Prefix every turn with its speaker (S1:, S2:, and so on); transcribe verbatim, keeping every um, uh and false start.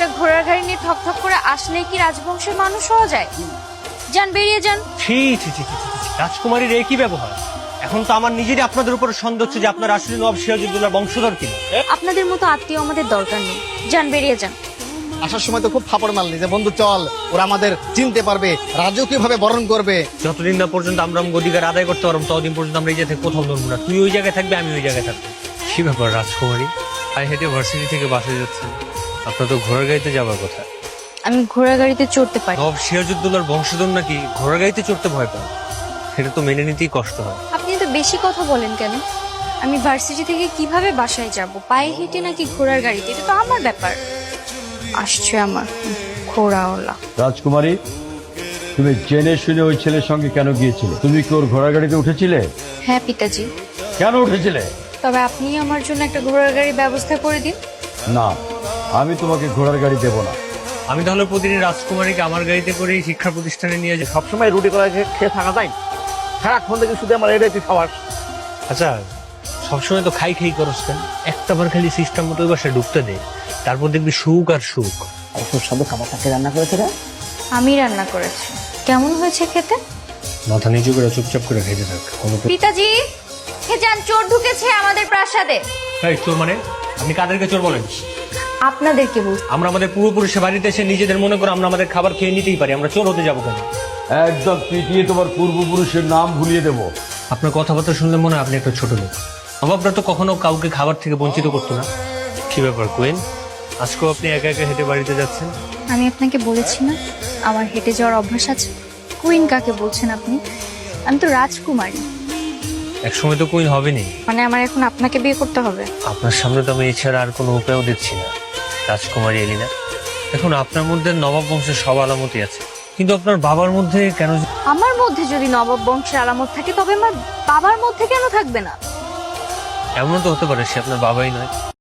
S1: একটা ঘোড়ার গাড়ি নিয়ে ঠক ঠক করে আসলেই কি রাজবংশের মানুষ হওয়া যায়? যান, বেরিয়ে যান।
S2: ছি ছি ছি ছি ছি, ছি। রাজকুমারীর একই ব্যবহার। এখন তো আমার নিজেরই আপনাদের উপর সন্দেহ হচ্ছে যে আপনার আসলে নবাব সিরাজউদ্দৌলার বংশধর কিনা।
S1: আপনাদের মতো আত্মীয় আমাদের দরকার নেই। যান, বেরিয়ে যান।
S3: আসার সময় তো খুব ফাপড় মারলি যে বন্ধু চল, ওরা আমাদের চিনতে পারবে, রাজকীয় ভাবে বরণ করবে।
S2: যতদিন না পর্যন্ত আমরা অধিকার আদায় করতে পারবো ততদিন পর্যন্ত আমরা এই জায়গা থেকে কোথাও নড়বো না। তুই ওই জায়গায় থাকবে, আমি ওই জায়গায় থাকবো। কি ব্যাপার রাজকুমারী, পায়ে হেঁটে ভার্সিটি থেকে বাসে যাচ্ছেন? আপনার তো ঘোড়ার গাড়িতে যাবার কথা।
S1: আমি ঘোড়ার গাড়িতে চড়তে পারি।
S2: নবাব সিরাজউদ্দৌলার বংশধর নাকি ঘোড়ার গাড়িতে চড়তে ভয় পায়? সেটা তো মেনে নিতেই কষ্ট হয়।
S1: আপনি তো বেশি কথা বলেন কেন? আমি ভার্সিটি থেকে কিভাবে বাসায় যাব? পায়ে হেঁটে নাকি ঘোড়ার গাড়িতে? এটা তো আমার ব্যাপার। আসছে আমার ঘোড়াওয়ালা।
S4: রাজকুমারী, তুমি জেনে শুনে ওই ছেলের সঙ্গে কেন গিয়েছিলে? তুমি কি ওর ঘোড়ার গাড়িতে উঠেছিলে?
S1: হ্যাঁ পিতাজি,
S4: কেন উঠেছিলে?
S1: তবে আপনি আমার জন্য একটা ঘোড়ার গাড়ির ব্যবস্থা করে দিন।
S4: না, আমি তোমাকে ঘোড়ার গাড়ি দেব না।
S2: আমি তাহলে প্রতিদিন রাজকুমারীকে আমার গাড়িতে করে শিক্ষা প্রতিষ্ঠানে নিয়ে যাই।
S3: সবসময় রুটি করা খেয়ে থাকা যায়? সারাক্ষণ থেকে শুধু আমার এটাই তুই খাওয়াস।
S2: আচ্ছা, সবসময় তো খাই খাই করস কেন? একটা বার খালি সিস্টেম মতো ওই বাসায় ঢুকতে দে, তারপর দেখবি সুখ আর সুখ।
S3: সুস্বাদু খাবারটাকে রান্না করেছে রে।
S1: আমি রান্না করেছি। কেমন হয়েছে খেতে?
S2: মাথা নিচু করে চুপচাপ করে খেতে থাক।
S1: পিতাজি, হে যান, চোর ঢুকেছে আমাদের প্রাসাদে।
S2: এই চোর মানে? আপনি কাদেরকে চোর বলেন?
S1: আপনাদেরকে বলছি।
S2: আমরা আমাদের পূর্বপুরুষের বাড়িতে এসে নিজেদের মনে করে আমরা আমাদের খাবার খেয়ে নিতেই পারি, আমরা চোর হতে যাবো কেন?
S4: একদম পিটিয়ে তোমার পূর্বপুরুষের নাম ভুলিয়ে দেব।
S2: আপনার কথাবার্তা শুনলে মনে হয় আপনি একটা ছোট লোক। নবাবরা তো কখনো কাউকে খাবার থেকে বঞ্চিত করতো না। কি ব্যাপার কুইন, আজকেও আপনি একা একা হেঁটে বাড়িতে যাচ্ছেন?
S1: আমি আপনাকে বলেছি না আমার হেঁটে যাওয়ার অভ্যাস আছে। কুইন কাকে বলছেন আপনি? আমি তো রাজকুমারী।
S2: একসময় তো কুইন হবেনি।
S1: মানে আমার এখন আপনাকে বিয়ে করতে হবে?
S2: আপনার সামনে তো আমি এছাড়া আর কোনো উপায়ও দেখছি না রাজকুমারী এলিনা। দেখুন, আপনার মধ্যে নবাব বংশের সব আলামতই আছে, কিন্তু আপনার বাবার মধ্যে কেন?
S1: আমার মধ্যে যদি নবাব বংশের আলামত থাকে তবে আমার বাবার মধ্যে কেন থাকবে না?
S2: এমন তো হতে পারে সে আপনার বাবাই নয়।